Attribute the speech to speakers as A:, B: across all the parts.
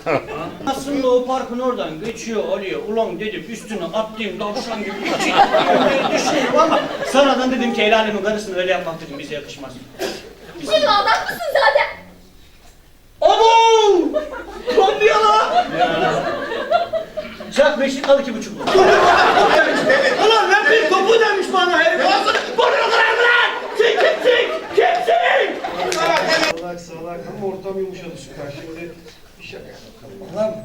A: Aslında o parkın oradan geçiyor oluyor. Ulan dedim üstüne atlayayım tavşan gibi düşünüyorum ama sonradan dedim ki el alemin karısını öyle yapmak dedim bize yakışmaz.
B: Şimdi adam mısın zaten?
A: Abo! Lan diyor lan! Çak Beşiktaş 2,5 bu. Ulan ben bir topu demiş bana herif. Bunu kırar mı lan? Sen kimsin? Kimsin?
C: Salak ama ortam yumuşadı süper. Şimdi bir şaka yapalım.
D: Lan.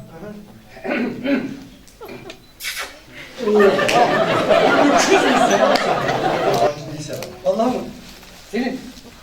D: Allah'ım. Senin.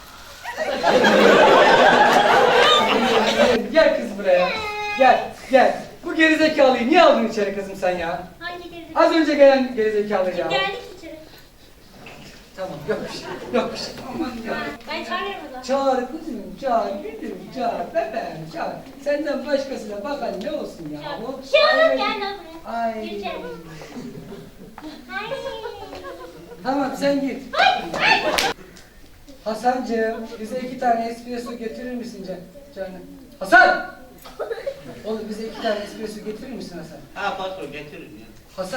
D: Gel kız buraya. Gel. Bu gerizekalıyı niye aldın içeri kızım sen ya?
B: Hangi gerizekalı?
D: Az önce gelen gerizekalıyı ya.
B: Geldik içeri.
D: Tamam, yok bir şey. Aman ya.
B: Ben çağırırım o zaman.
D: Çağır kızım, çağır, gülüm, çağır, bebeğim, çağır. Senden başkasına bakan ne olsun ya?
B: Çağır.
D: O-
B: Şey oğlum
D: Ay.
B: gel lan buraya.
D: Ay.
B: Gir içeri. Ay.
D: Tamam sen git. Hasancığım, bize 2 tane espresso getirir misin canım? Hasan! Oğlum bize 2 tane espresso getirir misin Hasan?
A: Ha patron getiririm ya.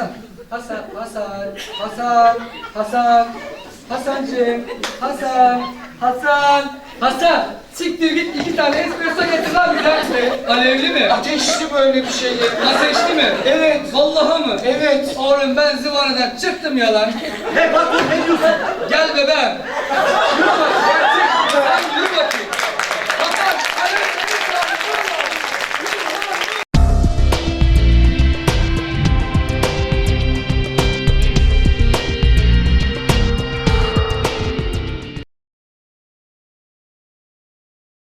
D: Hasancığım, Hasan! Siktir git 2 tane espresso getir lan bize. Alevli mi?
C: Ateşli böyle bir şey ya.
D: Ateşli mi?
C: Evet.
D: Vallahi mı?
C: Evet.
D: Oğlum ben zıvanadan çıktım ya lan.
A: He patron ne diyorsun?
D: Gel bebeğim. Şuna bak,